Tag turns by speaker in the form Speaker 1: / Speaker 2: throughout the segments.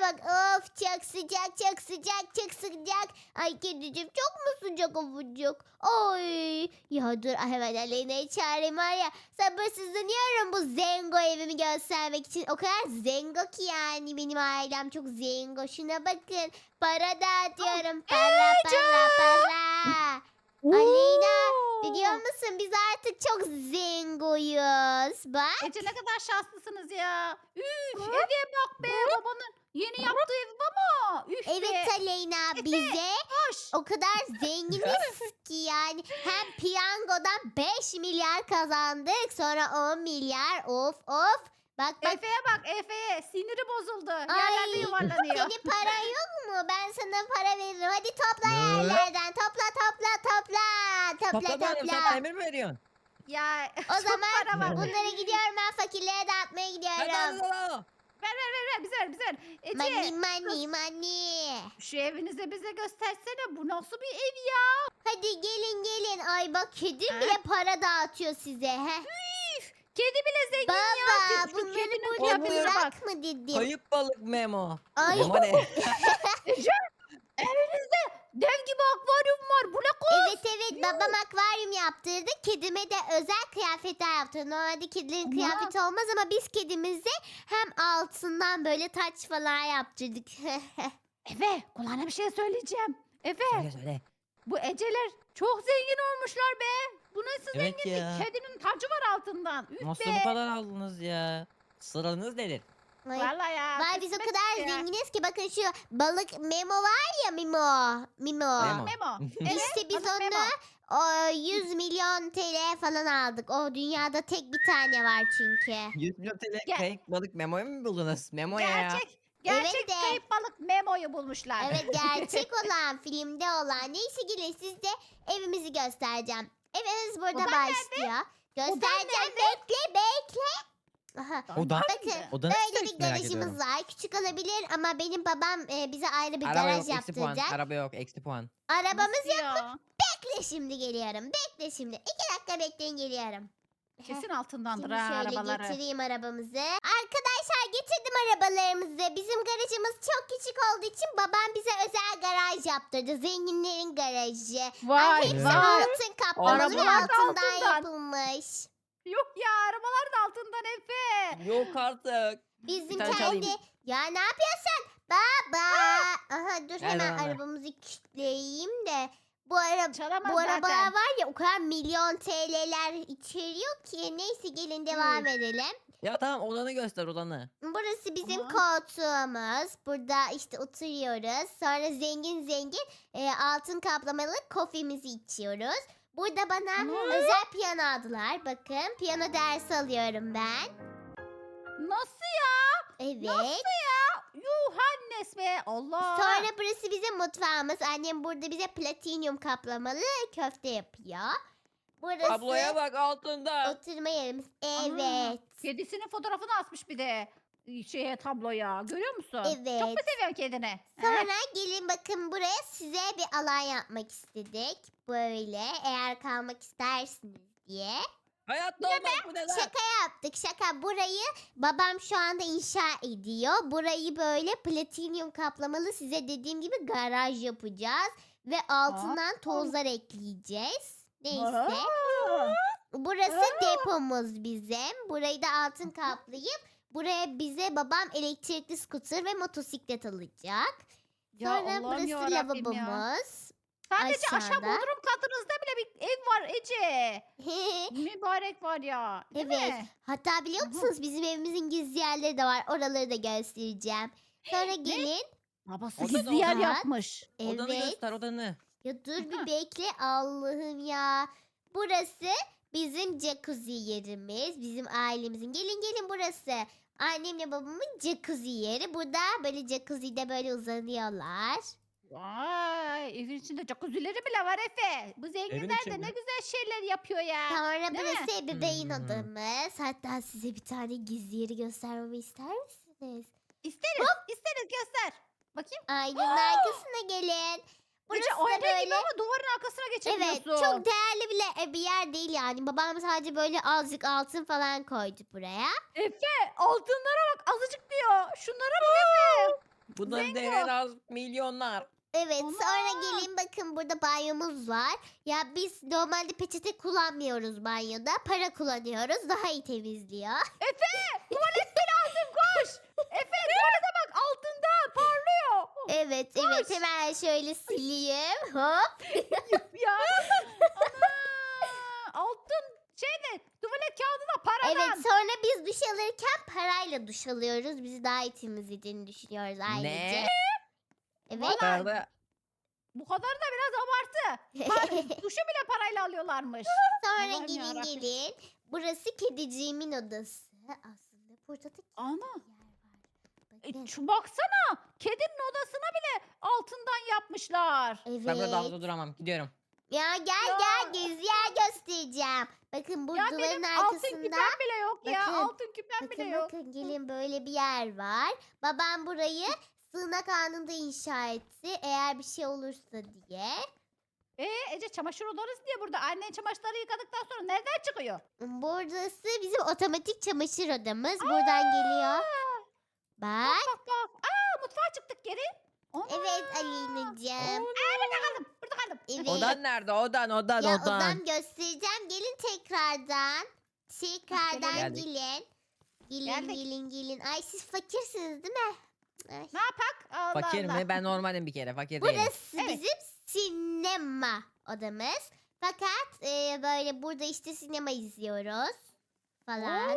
Speaker 1: bak. Of çok sıcak çok sıcak çok sıcak. Ay kedicim çok mu sıcak avucuk? Oy. Ya dur hemen Aleyna'yı çağırayım var ya. Sabırsızlanıyorum bu zengo evimi göstermek için. O kadar zengo ki yani benim ailem çok zengo. Şuna bakın. Para dağıtıyorum. Para para para. Aleyna biliyor
Speaker 2: Oo!
Speaker 1: musun biz artık çok zengoyuz. Bak.
Speaker 2: Ece ne kadar şanslısınız ya. Üf, eve bak be babanın yeni yaptığı ev baba. Üf
Speaker 1: Evet
Speaker 2: be.
Speaker 1: Aleyna
Speaker 2: Efe
Speaker 1: bize
Speaker 2: koş.
Speaker 1: o kadar zenginiz ki yani hem piyangodan 5 milyar kazandık sonra 10 milyar of of. Bak bak
Speaker 2: Efe'ye bak Efe'ye. Siniri bozuldu.
Speaker 1: ay
Speaker 2: Yerlerde yuvarlanıyor.
Speaker 1: senin paran yok mu? Ben sana para veririm. Hadi topla
Speaker 3: Ne?
Speaker 1: yerlerden topla topla topla topla
Speaker 3: Toplamayalım sen
Speaker 1: topla.
Speaker 3: emir mi veriyorsun?
Speaker 2: Ya
Speaker 1: O
Speaker 2: çok
Speaker 1: zaman
Speaker 2: para var.
Speaker 1: bunlara gidiyorum ben fakirlere dağıtmaya
Speaker 3: Hadi
Speaker 1: gidiyorum.
Speaker 2: Ver bize ver bize ver.
Speaker 1: Money
Speaker 2: Ece
Speaker 1: money money.
Speaker 2: şu evinizi bize göstersene. Bu nasıl bir ev ya?
Speaker 1: Hadi gelin gelin. Ay bak kedim
Speaker 2: Ha?
Speaker 1: bile para dağıtıyor size. Heh.
Speaker 2: Üf, kedi bile zengin ya.
Speaker 1: Baba
Speaker 2: Şu
Speaker 1: bunları
Speaker 2: kedinin
Speaker 1: burada
Speaker 2: kıyafetine bak.
Speaker 1: bırakma dedim.
Speaker 3: Kayıp balık Memo.
Speaker 1: Ay
Speaker 3: Memo ne?
Speaker 2: Ece evinizde dev gibi akvaryum var. Bu ne kız?
Speaker 1: evet evet babam akvaryum yaptırdı. Kedime de özel kıyafetler yaptırdı. Normalde kedilerin
Speaker 2: Ama-
Speaker 1: kıyafeti olmaz ama biz kedimize hem altından böyle taç falan yaptırdık.
Speaker 2: Efe kulağına bir şey söyleyeceğim. Efe
Speaker 3: Söyle söyle.
Speaker 2: bu Eceler çok zengin olmuşlar be. Bu nasıl
Speaker 3: Evet
Speaker 2: zenginlik?
Speaker 3: ya.
Speaker 2: Kedinin tacı var altından. Üf
Speaker 3: Nasıl
Speaker 2: be.
Speaker 3: bu kadar aldınız ya? Sıranız nedir?
Speaker 1: Ay,
Speaker 2: Vallahi ya.
Speaker 1: vay biz o
Speaker 2: kısmet
Speaker 1: kadar
Speaker 2: ya.
Speaker 1: zenginiz ki bakın şu balık Memo var ya Memo. Memo.
Speaker 3: Memo.
Speaker 2: Memo.
Speaker 1: İşte biz
Speaker 2: adı Memo.
Speaker 1: onu o, 100 milyon TL falan aldık. O dünyada tek bir tane var çünkü.
Speaker 3: 100 milyon TL
Speaker 2: Gel.
Speaker 3: kayıp balık Memo'yu mu buldunuz? Memo ya.
Speaker 2: Gerçek
Speaker 1: Evet de.
Speaker 2: kayıp balık Memo'yu bulmuşlar.
Speaker 1: Evet gerçek olan filmde olan. Neyse gelin size evimizi göstereceğim. Evimiz burada
Speaker 2: Odan
Speaker 1: başlıyor. Göstereceğim bekle bekle. Aha.
Speaker 3: Odan?
Speaker 1: Bakın
Speaker 3: Odanı
Speaker 1: böyle
Speaker 3: hiç
Speaker 1: bir
Speaker 3: merak
Speaker 1: garajımız
Speaker 3: ediyorum.
Speaker 1: var. Küçük olabilir ama benim babam bize ayrı bir
Speaker 3: Araba
Speaker 1: garaj
Speaker 3: yok eksi puan.
Speaker 1: yaptıracak.
Speaker 3: Araba yok eksi puan.
Speaker 1: Arabamız
Speaker 2: Nasıl ya?
Speaker 1: bekle şimdi geliyorum. Bekle şimdi. 2 dakika bekleyin geliyorum.
Speaker 2: Kesin altındandır
Speaker 1: Şimdi
Speaker 2: ha
Speaker 1: şöyle
Speaker 2: arabaları.
Speaker 1: getireyim arabamızı. Arkadaşlar getirdim arabalarımızı. Bizim garajımız çok küçük olduğu için babam bize özel garaj yaptırdı. Zenginlerin garajı.
Speaker 2: Vay
Speaker 1: Hepsi
Speaker 2: vay.
Speaker 1: altın kaplamalı ve
Speaker 2: Arabalar da
Speaker 1: altından
Speaker 2: altından.
Speaker 1: yapılmış.
Speaker 2: Yok ya arabalar da altından Efe.
Speaker 3: Yok artık.
Speaker 1: Bizim
Speaker 3: tane
Speaker 1: kendi...
Speaker 3: çalayım.
Speaker 1: Ya ne yapıyorsun? Baba. Aha dur
Speaker 3: Ver
Speaker 1: hemen
Speaker 3: bana.
Speaker 1: arabamızı kilitleyeyim de. Bu araba...
Speaker 2: Çalamaz
Speaker 1: Bu arabalar
Speaker 2: zaten.
Speaker 1: var ya o kadar milyon TL'ler içeriyor ki. Neyse gelin devam edelim.
Speaker 3: Ya tamam odanı göster odanı.
Speaker 1: Burası bizim
Speaker 2: Aha.
Speaker 1: koltuğumuz. Burada işte oturuyoruz. Sonra zengin zengin altın kaplamalı kofemizi içiyoruz. Burada bana
Speaker 2: Ana.
Speaker 1: özel piyano aldılar. Bakın piyano dersi alıyorum ben.
Speaker 2: Nasıl ya?
Speaker 1: Evet.
Speaker 2: Nasıl ya? Yuhannes be Allah.
Speaker 1: Sonra burası bizim mutfağımız. Annem burada bize platinyum kaplamalı köfte yapıyor. Burası
Speaker 3: Tabloya bak altında.
Speaker 1: oturma yerimiz.
Speaker 2: Ana,
Speaker 1: Evet.
Speaker 2: Kedisinin fotoğrafını asmış bir de şeye tabloya. Görüyor musun? Çok mu
Speaker 1: Evet.
Speaker 2: seviyorsun kedini?
Speaker 1: Sonra gelin bakın buraya size bir alan yapmak istedik. Böyle eğer kalmak istersiniz diye.
Speaker 3: Hayatta olmaz bu ne lan?
Speaker 1: Şaka yaptık şaka. Burayı babam şu anda inşa ediyor. Burayı böyle platinyum kaplamalı size dediğim gibi garaj yapacağız. Ve altından tozlar ekleyeceğiz. Neyse.
Speaker 2: Aa.
Speaker 1: Burası depomuz bizim. Burayı da altın kaplayıp buraya bize babam elektrikli scooter ve motosiklet alacak.
Speaker 2: Ya
Speaker 1: Sonra
Speaker 2: Allah'ım
Speaker 1: burası
Speaker 2: yarabbim ya.
Speaker 1: lavabomuz.
Speaker 2: Sadece aşağı
Speaker 1: aşağıda.
Speaker 2: bodrum katınızda bile bir ev var Ece. Mübarek var ya. Değil
Speaker 1: Evet.
Speaker 2: mi?
Speaker 1: Hatta biliyor
Speaker 2: Aha.
Speaker 1: musunuz bizim evimizin gizli yerleri de var. Oraları da göstereceğim. Sonra gelin.
Speaker 2: Babası
Speaker 3: Oda da
Speaker 2: gizli yer
Speaker 1: oda.
Speaker 2: yapmış.
Speaker 3: Odanı
Speaker 1: Evet.
Speaker 3: göster odanı.
Speaker 1: Ya dur bir bekle. Allah'ım ya. Burası bizim jacuzzi yerimiz. Bizim ailemizin. Gelin gelin burası. Annemle babamın jacuzzi yeri. Burada böyle jacuzzi'de böyle uzanıyorlar.
Speaker 2: Vay evin içinde jacuzzileri bile var Efe. Bu zenginler
Speaker 3: içinde.
Speaker 2: de ne güzel şeyler yapıyor ya.
Speaker 1: Sonra
Speaker 2: Değil mi?
Speaker 1: burası ebeveyn
Speaker 3: Hmm.
Speaker 1: odamız. Hatta size bir tane gizli yeri göstermemi ister misiniz?
Speaker 2: İsteriz. İsteriz göster. Bakayım.
Speaker 1: Aynanın arkasına gelin. Burası
Speaker 2: Ece
Speaker 1: da
Speaker 2: ayna
Speaker 1: böyle...
Speaker 2: gibi ama duvarın arkasına
Speaker 1: Evet
Speaker 2: geçebiliyorsun.
Speaker 1: çok değerli bile bir yer değil yani. Babam sadece böyle azıcık altın falan koydu buraya.
Speaker 2: Efe altınlara bak azıcık diyor. Şunlara bak Efe.
Speaker 3: Bunların
Speaker 2: Zengo.
Speaker 3: değeri az milyonlar.
Speaker 1: Evet,
Speaker 2: Ana!
Speaker 1: sonra gelin bakın burada banyomuz var. Ya biz normalde peçete kullanmıyoruz banyoda. Para kullanıyoruz. Daha iyi temizliyor.
Speaker 2: Tuvalet mi lazım koş. Efe tuvalete bak altında parlıyor.
Speaker 1: Evet, evet. Hemen şöyle sileyim. Hop.
Speaker 2: Ya. Ana. Altın şeyde tuvalet kağıdı da paradan.
Speaker 1: Evet, sonra biz duş alırken parayla duş alıyoruz. Bizi daha iyi temizlediğini düşünüyoruz ailece.
Speaker 3: Ne?
Speaker 1: Evet.
Speaker 2: Valla-
Speaker 3: Yukarıda
Speaker 2: Bu kadar da biraz abartı. Duşu bile parayla alıyorlarmış.
Speaker 1: Sonra
Speaker 2: Allah'ım
Speaker 1: gelin
Speaker 2: yarabbim.
Speaker 1: gelin. Burası kediciğimin odası. Aslında burada da
Speaker 2: Ana.
Speaker 1: yer var. Bakın.
Speaker 2: Baksana. Kedinin odasına bile altından yapmışlar.
Speaker 3: ben burada
Speaker 1: Evet.
Speaker 3: havuzda duramam. Gidiyorum.
Speaker 1: Ya gel
Speaker 2: Ya.
Speaker 1: gel gezi yer göstereceğim. Bakın bu
Speaker 2: Ya
Speaker 1: duvarın
Speaker 2: benim altın
Speaker 1: arkasında.
Speaker 2: küpem bile yok ya.
Speaker 1: Bakın,
Speaker 2: Altın küpem bile
Speaker 1: Bakın
Speaker 2: yok.
Speaker 1: bakın gelin böyle bir yer var. Babam burayı sığınak anında inşa etti. Eğer bir şey olursa diye.
Speaker 2: Ece çamaşır odası diye burada annen çamaşırları yıkadıktan sonra nereden çıkıyor?
Speaker 1: Burası bizim otomatik çamaşır odamız. Buradan geliyor. Bak.
Speaker 2: Bak bak. Aa mutfağa çıktık geri. Ana.
Speaker 1: Evet Alina'cığım.
Speaker 2: Burada kaldım. Burada kaldım.
Speaker 1: Evet.
Speaker 3: Odan nerede? Odan.
Speaker 1: Ya odam göstereceğim. Gelin tekrardan. Tekrardan
Speaker 2: Gelelim.
Speaker 1: gelin. Gelin
Speaker 2: Geldik.
Speaker 1: gelin. Ay siz fakirsiniz değil mi? Ay.
Speaker 2: Ne yapak? Allah
Speaker 3: Fakir
Speaker 2: Allah.
Speaker 3: mi? Ben normalim bir kere. Fakir değilim.
Speaker 1: Burası
Speaker 2: Evet.
Speaker 1: bizim sinema odamız. Fakat böyle burada işte sinema izliyoruz falan.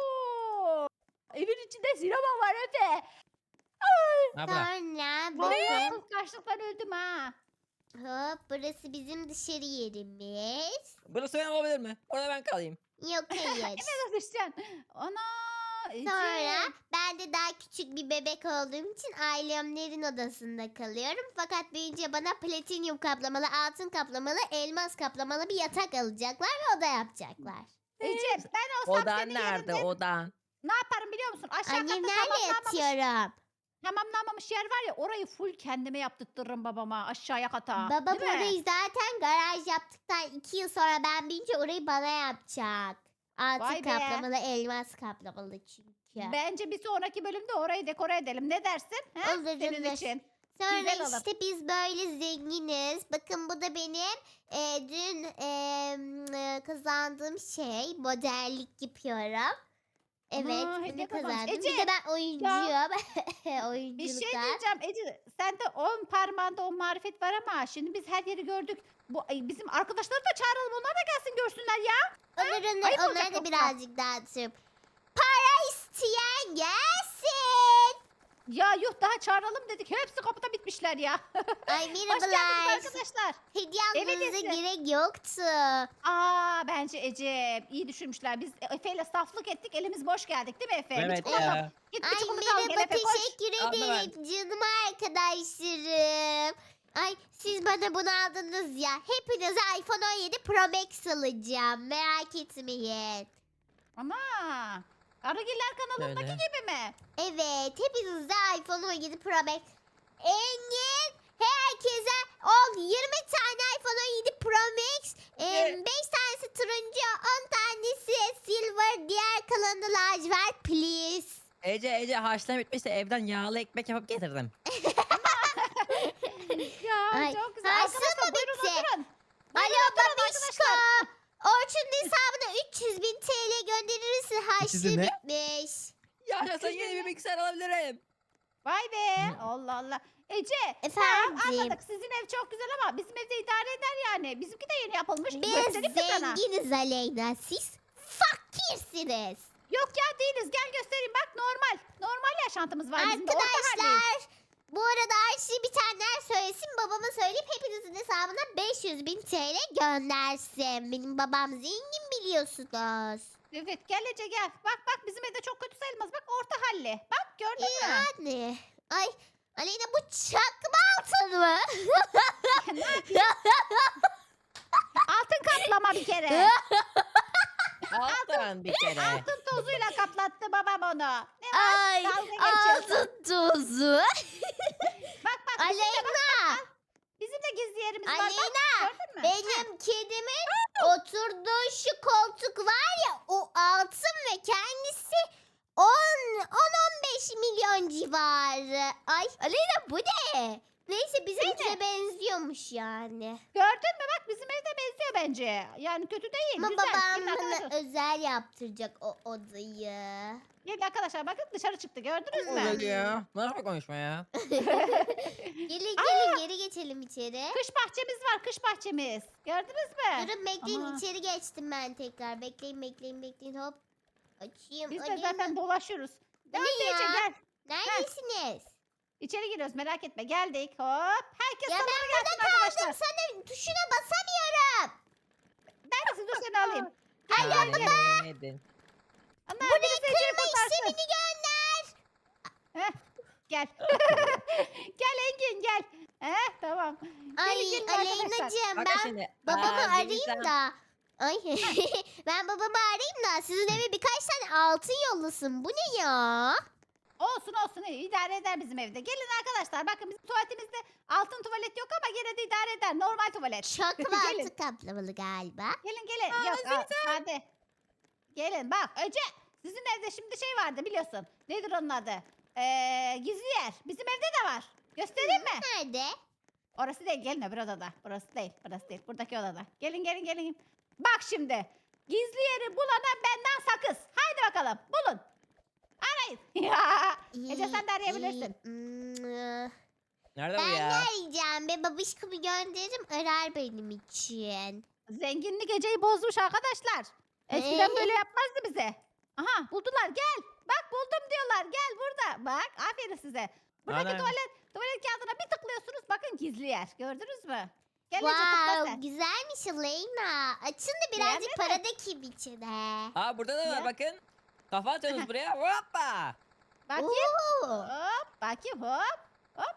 Speaker 2: Oo! Evin içinde sinema var Efe.
Speaker 3: Ha bırak.
Speaker 1: Sonra
Speaker 2: Vallahi
Speaker 1: bakın
Speaker 2: kıskançlıktan öldüm ha.
Speaker 1: hop burası bizim dışarı yerimiz.
Speaker 3: Burası benim olabilir mi? Orada ben kalayım.
Speaker 1: Yok hayır.
Speaker 2: Nasıl düşeceksin? Ana. Ece.
Speaker 1: Sonra ben de daha küçük bir bebek olduğum için ailemlerin odasında kalıyorum. Fakat büyüyünce bana platinyum kaplamalı, altın kaplamalı, elmas kaplamalı bir yatak alacaklar ve oda yapacaklar.
Speaker 2: Ece ben olsam
Speaker 3: Odan
Speaker 2: senin
Speaker 3: nerede?
Speaker 2: yerinde
Speaker 3: Odan.
Speaker 2: ne yaparım biliyor musun? Aşağı katta
Speaker 1: Annemlerle yatıyorum.
Speaker 2: tamamlanmamış yer var ya orayı full kendime yaptırtırım babama aşağıya kata.
Speaker 1: Babam
Speaker 2: Değil mi?
Speaker 1: orayı zaten garaj yaptıktan 2 yıl sonra ben büyüyünce orayı bana yapacak. Altın
Speaker 2: Vay be.
Speaker 1: kaplamalı, elmas kaplamalı çünkü.
Speaker 2: Bence bir sonraki bölümde orayı dekore edelim. Ne dersin? He?
Speaker 1: Olur,
Speaker 2: Senin
Speaker 1: olur.
Speaker 2: için.
Speaker 1: Sonra
Speaker 2: güzel olur.
Speaker 1: işte biz böyle zenginiz. Bakın bu da benim dün kazandığım şey. Modellik yapıyorum. Evet
Speaker 2: Ana,
Speaker 1: bunu
Speaker 2: hediye kazanmış.
Speaker 1: kazandım.
Speaker 2: Ece,
Speaker 1: Bir de ben oyuncuyum.
Speaker 2: Bir şey
Speaker 1: Oyunculukta.
Speaker 2: diyeceğim Ece. Sende 10 parmağında 10 marifet var ama şimdi biz her yeri gördük. Bizim arkadaşları da çağıralım. Onlar da gelsin görsünler ya. Ayıp olacak
Speaker 1: Onları da
Speaker 2: yoksa.
Speaker 1: birazcık dağıtırım. Para isteyen gelsin.
Speaker 2: Ya yuh daha çağıralım dedik. Hepsi kapıda bitmişler ya.
Speaker 1: Ay
Speaker 2: Hoş geldiniz
Speaker 1: merhabalar.
Speaker 2: arkadaşlar.
Speaker 1: Hediye
Speaker 2: Evet,
Speaker 1: almanıza
Speaker 2: Ece.
Speaker 1: gerek yoktu.
Speaker 2: Bence Ece iyi düşünmüşler. Biz Efe ile saflık ettik. Elimiz boş geldik değil mi Efe? Bir
Speaker 3: Evet
Speaker 2: çikolata-
Speaker 3: ya.
Speaker 2: Git bir
Speaker 1: Ay
Speaker 2: çikolata al gel
Speaker 1: merhaba
Speaker 2: Efe koş.
Speaker 1: teşekkür
Speaker 3: Aldım ben.
Speaker 1: ederim canım arkadaşlarım. Ay siz bana bunu aldınız ya. Hepinize iPhone 17 Pro Max alacağım. Merak etmeyin.
Speaker 2: Ama Arıgiller kanalındaki
Speaker 3: Öyle.
Speaker 2: gibi mi?
Speaker 1: Evet hepinize iPhone 17 Pro Max. Engin herkese 20 tane iPhone 17 Pro Max. 5 tanesi turuncu 10 tanesi silver. Diğer kalanı lacivert please.
Speaker 3: Ece haşlama bitmişse evden yağlı ekmek yapıp getirdim.
Speaker 2: Ya
Speaker 1: Ay,
Speaker 2: çok güzel.
Speaker 1: haşlama
Speaker 2: Arkadaşlar buyurun
Speaker 1: bitti.
Speaker 2: oturun.
Speaker 1: Alo
Speaker 2: oturun
Speaker 1: babişko. Orçun'un hesabına 300.000 TL gönderirsin. Harçlı
Speaker 3: 300'ü ne?
Speaker 1: bitmiş.
Speaker 3: Yaşasın yeni bir bilgisayar alabilirim.
Speaker 2: Vay be. Allah Allah. Ece
Speaker 1: Efendim?
Speaker 2: anladık. Sizin ev çok güzel ama bizim evde idare eder yani. Bizimki de yeni yapılmış.
Speaker 1: Biz
Speaker 2: Göstereyim mi sana?
Speaker 1: zenginiz Aleyna. Siz fakirsiniz.
Speaker 2: Yok ya değiliz. Gel göstereyim. Bak normal. Normal yaşantımız var bizim de. Orta haldeyiz.
Speaker 1: Arkadaşlar bu arada Ayşe bitenler söylesin. Babama söyleyip hepinizin hesabına 500.000 TL göndersin. Benim babam zengin biliyorsunuz.
Speaker 2: Evet gel Ece gel. Bak bak bizim evde çok kötü sayılmaz. Bak orta halli. Bak gördün mü?
Speaker 1: Yani. Ay Aleyna bu çakma altın mı?
Speaker 2: Altın kaplama bir kere.
Speaker 3: Altın bir kere.
Speaker 2: Altın tozuyla kaplattı babam onu. Ne var?
Speaker 1: Ay
Speaker 2: Dalga geçiyorsun.
Speaker 1: altın tozu.
Speaker 2: Bak bak
Speaker 1: Aleyna.
Speaker 2: bizim de gizli yerimiz var.
Speaker 1: Aleyna.
Speaker 2: Bak, gördün mü?
Speaker 1: Benim kedimin oturduğu şu koltuk var ya o altın ve kendisi 10-15 milyon civarı. Ay Aleyna bu ne? Neyse bizimkine
Speaker 2: Neydi?
Speaker 1: benziyormuş yani.
Speaker 2: Gördün mü bak bizim evde benziyor bence. Yani kötü değil.
Speaker 1: Ama
Speaker 2: güzel.
Speaker 1: babam
Speaker 2: Gelin arkadaşlar.
Speaker 1: bana özel yaptıracak o odayı.
Speaker 2: Gelin arkadaşlar bakın dışarı çıktı gördünüz mü?
Speaker 3: Öyle ya. Ne yapıyor konuşma ya?
Speaker 1: Gelin geri geçelim içeri.
Speaker 2: Kış bahçemiz var kış bahçemiz. Gördünüz mü?
Speaker 1: Durun bekleyin
Speaker 2: Ama-
Speaker 1: içeri geçtim ben tekrar. Bekleyin hop. Açayım.
Speaker 2: Biz de
Speaker 1: Aleyna.
Speaker 2: zaten dolaşıyoruz.
Speaker 1: Bu
Speaker 2: Nerede
Speaker 1: ne
Speaker 2: Ece
Speaker 1: ya?
Speaker 2: gel.
Speaker 1: Neredesiniz?
Speaker 2: İçeri giriyoruz merak etme geldik hop. Herkes
Speaker 1: Ya
Speaker 2: salona
Speaker 1: ben
Speaker 2: gelsin
Speaker 1: burada
Speaker 2: arkadaşlar.
Speaker 1: kaldım. Sana tuşuna basamıyorum.
Speaker 2: Neredesin dur seni alayım.
Speaker 1: Ay
Speaker 3: Ya,
Speaker 1: baba.
Speaker 3: yemedin.
Speaker 2: Ana
Speaker 1: Bu ne
Speaker 2: birisi Ece'yi
Speaker 1: kırma
Speaker 2: kurtarsın.
Speaker 1: işlemini gönder.
Speaker 2: Heh, gel. Gel Engin gel. Tamam.
Speaker 1: Ay
Speaker 2: gelin arkadaşlar.
Speaker 1: Aleyna'cığım
Speaker 3: Bakın
Speaker 1: ben
Speaker 3: şimdi.
Speaker 1: babamı
Speaker 3: Aa,
Speaker 1: arayayım
Speaker 3: Deniz'den-
Speaker 1: da. Ay ben babamı arayayım da sizin eve birkaç tane altın yollasın. Bu ne ya?
Speaker 2: Olsun olsun iyi idare eder bizim evde. Gelin arkadaşlar bakın bizim tuvaletimizde altın tuvalet yok ama gene de idare eder. Normal tuvalet.
Speaker 1: Çok
Speaker 2: Gelin.
Speaker 1: altın kaplamalı galiba.
Speaker 2: Gelin.
Speaker 3: Aa,
Speaker 2: Yok
Speaker 3: Zeytin.
Speaker 2: hadi. Gelin bak önce sizin evde şimdi şey vardı biliyorsun. Nedir onun adı? Gizli yer. Bizim evde de var. Göstereyim mi?
Speaker 1: Nerede?
Speaker 2: Orası değil gelin öbür odada. Burası değil. Buradaki odada. Gelin. Bak şimdi. Gizli yeri bulana benden sakız. Haydi bakalım bulun. Arayın. Ya. Ece sen de arayabilirsin.
Speaker 3: Nerede bu
Speaker 1: Ben
Speaker 3: ya?
Speaker 1: ne arayacağım be? Babişkomu gönderirim arar benim için.
Speaker 2: Zenginlik geceyi bozmuş arkadaşlar. Eskiden böyle yapmazdı bize. Aha buldular gel. Bak buldum diyorlar gel burada. Bak aferin size. Buradaki
Speaker 3: Anam.
Speaker 2: tuvalet kağıdına bir tıklıyorsunuz. Bakın gizli yer. Gördünüz mü? Gel Ece tıkla
Speaker 1: Wow
Speaker 2: sen.
Speaker 1: güzelmiş Aleyna. Açın da
Speaker 2: Beğendin
Speaker 1: birazcık
Speaker 2: mi?
Speaker 1: para dökeyim içine.
Speaker 3: Aa burada da
Speaker 2: Ya.
Speaker 3: var bakın. Kafa atıyorsunuz buraya. Hoppa.
Speaker 2: Bakayım.
Speaker 1: Oo.
Speaker 2: Hop. Bakayım hop. Hop.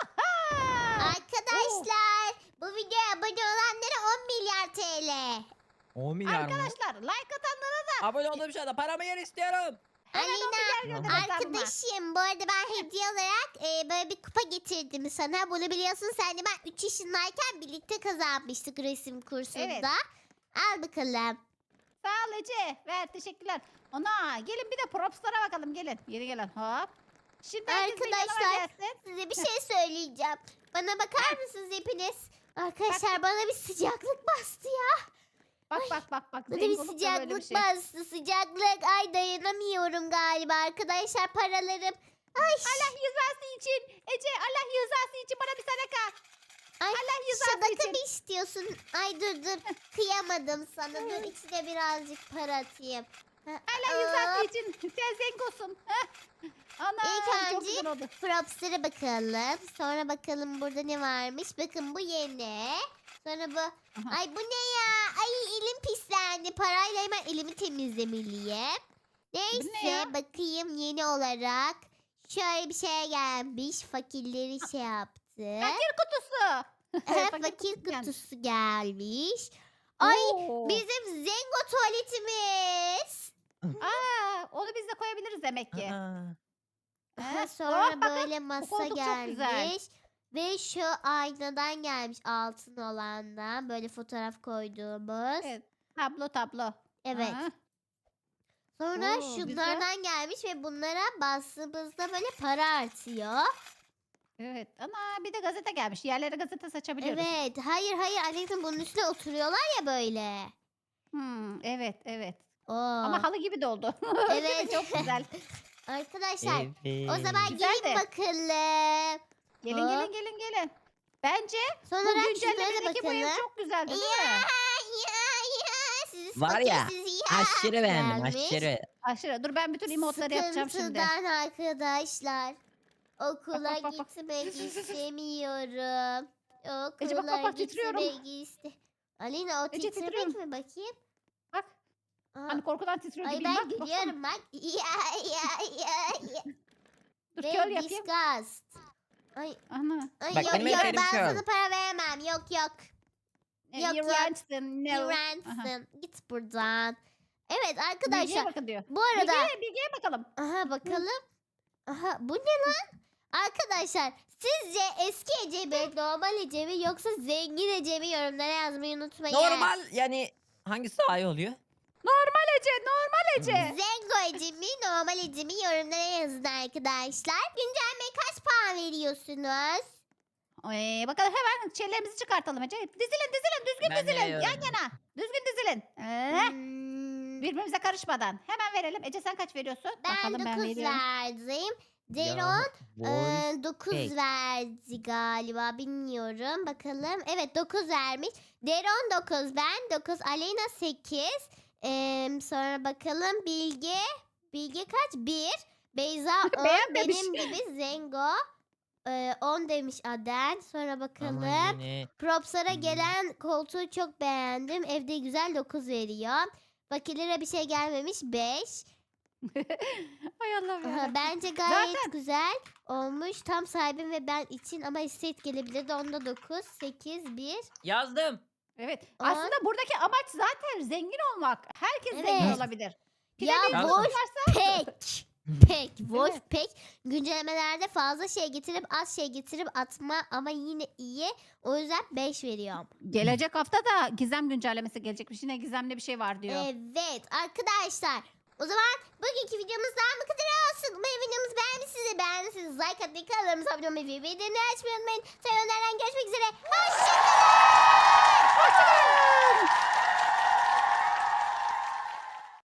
Speaker 2: Aha.
Speaker 1: Arkadaşlar bu videoya abone olanlara 10 milyar TL.
Speaker 3: 10 milyar mı?
Speaker 2: Arkadaşlar like atanlara da
Speaker 3: Abone olduğum şu anda paramı yer istiyorum.
Speaker 2: hemen 10 milyar
Speaker 1: Aleyna
Speaker 2: gönderin hesabıma.
Speaker 1: arkadaşım bu arada ben hediye olarak böyle bir kupa getirdim sana. Bunu biliyorsun sen de ben 3 yaşındayken birlikte kazanmıştık resim kursunda.
Speaker 2: Evet.
Speaker 1: Al bakalım.
Speaker 2: Sağ ol Ece. Ver teşekkürler. Ana gelin bir de propslara bakalım gelin. Geri gelin hop. Şimdi herkes bir yanıma
Speaker 1: Arkadaşlar
Speaker 2: gelsin.
Speaker 1: size bir şey söyleyeceğim. Bana bakar mısınız hepiniz? Arkadaşlar bana bir sıcaklık bastı ya.
Speaker 2: Bak.
Speaker 1: Bana bir
Speaker 2: Zenginlikte böyle
Speaker 1: sıcaklık
Speaker 2: şey.
Speaker 1: bastı. Sıcaklık. Ay dayanamıyorum galiba arkadaşlar paralarım. Ay.
Speaker 2: Allah rızası için. Ece Allah rızası için bana bir sadaka.
Speaker 1: Ay,
Speaker 2: Allah rızası
Speaker 1: sadaka
Speaker 2: için.
Speaker 1: mı istiyorsun? Ay dur. Kıyamadım sana. Dur içine birazcık para atayım.
Speaker 2: Allah rızası için. Sen zengosun. Ana
Speaker 1: İlk
Speaker 2: çok
Speaker 1: önce
Speaker 2: güzel oldu.
Speaker 1: props'lara bakalım. Sonra bakalım burada ne varmış. Bakın bu yeni. Sonra bu.
Speaker 2: Aha.
Speaker 1: Ay bu ne ya? Ay elim pislendi. Parayla hemen elimi temizlemeliyim. Neyse
Speaker 2: ya?
Speaker 1: bakayım yeni olarak. Şöyle bir şey gelmiş. Fakirleri şey yaptı.
Speaker 2: Fakir kutusu.
Speaker 1: Fakir
Speaker 2: gelmiş.
Speaker 1: kutusu gelmiş. Ay
Speaker 2: Oo.
Speaker 1: bizim Zengo tuvaletimiz.
Speaker 2: Onu biz de koyabiliriz demek ki.
Speaker 3: Aa.
Speaker 1: Aha,
Speaker 2: Heh,
Speaker 1: sonra
Speaker 2: oh, bakın,
Speaker 1: böyle masa
Speaker 2: koltuk çok güzel.
Speaker 1: gelmiş. Ve şu aynadan gelmiş altın olandan. Böyle fotoğraf koyduğumuz.
Speaker 2: Evet. Tablo.
Speaker 1: Evet.
Speaker 2: Aha.
Speaker 1: Sonra
Speaker 2: Oo,
Speaker 1: şunlardan gelmiş ve bunlara bastığımızda böyle para artıyor.
Speaker 2: Evet. Ana bir de gazete gelmiş. Yerlere gazete saçabiliyoruz.
Speaker 1: Evet. Hayır Alex'in bunun üstüne oturuyorlar ya böyle.
Speaker 2: Evet.
Speaker 1: Oo.
Speaker 2: Ama halı gibi de oldu. Değil mi?
Speaker 1: Evet.
Speaker 2: Çok güzel.
Speaker 1: Arkadaşlar
Speaker 3: Evet.
Speaker 1: o zaman
Speaker 2: Güzel
Speaker 1: gelin
Speaker 2: de.
Speaker 1: bakalım. Hop.
Speaker 2: Gelin. Bence
Speaker 1: Sonra
Speaker 2: bu
Speaker 1: şunlara da
Speaker 2: güncellemedeki bu ev
Speaker 1: bakalım.
Speaker 2: çok güzeldi değil
Speaker 1: Ya
Speaker 2: mi?
Speaker 1: sizi
Speaker 3: Var ya,
Speaker 1: fakirsiz ya.
Speaker 3: Aşırı beğendim
Speaker 1: Gelmiş.
Speaker 3: aşırı.
Speaker 2: Aşırı. Dur ben bütün emotları yapacağım şimdi.
Speaker 1: Sıkıntıdan arkadaşlar. Okula
Speaker 2: Bak.
Speaker 1: gitmek istemiyorum.
Speaker 2: Ece,
Speaker 1: Okula
Speaker 2: bak, titriyorum.
Speaker 1: gitmek Alina o
Speaker 2: Ece,
Speaker 1: titremek
Speaker 2: titriyorum.
Speaker 1: mi bakayım?
Speaker 2: Bak.
Speaker 1: Aa,
Speaker 2: Hani korkudan titriyor
Speaker 1: ay
Speaker 2: gibiyim.
Speaker 1: ben
Speaker 2: Bak, baksana.
Speaker 1: gülüyorum bak. Ya.
Speaker 2: Dur
Speaker 1: Ve
Speaker 2: kör yapayım.
Speaker 1: disgust. Ay,
Speaker 3: Bak,
Speaker 1: yok
Speaker 3: benim en
Speaker 1: yok
Speaker 3: sevdiğim
Speaker 1: ben
Speaker 3: şey o.
Speaker 1: sana para veremem. Yok. Yok
Speaker 2: You
Speaker 1: yok.
Speaker 2: ransom, no. Aha.
Speaker 1: Dirensin. Git buradan. Evet
Speaker 2: Bilgiye
Speaker 1: arkadaşlar
Speaker 2: bakın diyor.
Speaker 1: bu arada
Speaker 2: Bilgiye bakalım.
Speaker 1: aha bakalım. Aha bu ne lan? Arkadaşlar sizce eski Ece mi, normal Ece mi yoksa zengin Ece mi yorumlara yazmayı unutmayın.
Speaker 3: Normal yani hangisi daha iyi oluyor?
Speaker 2: Normal Ece, normal Ece.
Speaker 1: Zengo Ece mi, normal Ece mi yorumlara yazın arkadaşlar. Güncellemeye kaç puan veriyorsunuz?
Speaker 2: Bakalım hemen şeylerimizi çıkartalım Ece. Dizilin, düzgün
Speaker 3: Ben de
Speaker 2: dizilin. Yan
Speaker 3: veriyorum.
Speaker 2: yana. Düzgün dizilin.
Speaker 1: Hmm,
Speaker 2: Birbirimize karışmadan. Hemen verelim. Ece sen kaç veriyorsun?
Speaker 1: ben
Speaker 2: Bakalım
Speaker 1: 9
Speaker 2: veriyorum.
Speaker 1: verdim. Deron
Speaker 3: Ya, voice
Speaker 1: 9
Speaker 3: fake.
Speaker 1: verdi galiba, bilmiyorum. Bakalım. Evet, 9 vermiş. Deron 9, ben 9, Aleyna 8. Sonra bakalım Bilge. Bilge kaç? 1. Beyza 10.
Speaker 2: Beğenmemiş.
Speaker 1: Benim gibi Zengo 10 demiş Aden. Sonra
Speaker 3: Ama
Speaker 1: bakalım.
Speaker 3: yine
Speaker 1: Props'lara gelen koltuğu çok beğendim. Evde güzel 9 veriyor. Fakirlere bir şey gelmemiş 5.
Speaker 2: Ay Allah'ım
Speaker 1: Aha,
Speaker 2: yarabbim.
Speaker 1: bence gayet
Speaker 2: Zaten-
Speaker 1: güzel olmuş. Tam sahibim ve ben için ama estate gelebilirdi. Onda 9, 8, 1.
Speaker 3: yazdım.
Speaker 2: Evet.
Speaker 1: On.
Speaker 2: Aslında buradaki amaç zaten zengin olmak. Herkes zengin
Speaker 1: Evet.
Speaker 2: olabilir.
Speaker 1: Ya
Speaker 2: Planın
Speaker 3: boş
Speaker 1: Wolf
Speaker 2: varsa
Speaker 1: Pack. Pack. Wolf
Speaker 2: Evet.
Speaker 1: Pack. Güncellemelerde fazla şey getirip az şey getirip atma ama yine iyi. O yüzden 5 veriyorum.
Speaker 2: gelecek hafta da gizem güncellemesi gelecekmiş. Yine gizemli bir şey var diyor.
Speaker 1: Evet arkadaşlar. O zaman bugünkü videomuzdan bu kadar olsun. Umarım videomuzu beğenmişsiniz. Beğendiyseniz like atmayı, kanalımıza abone olmayı ve bildirimleri açmayı unutmayın. Sonra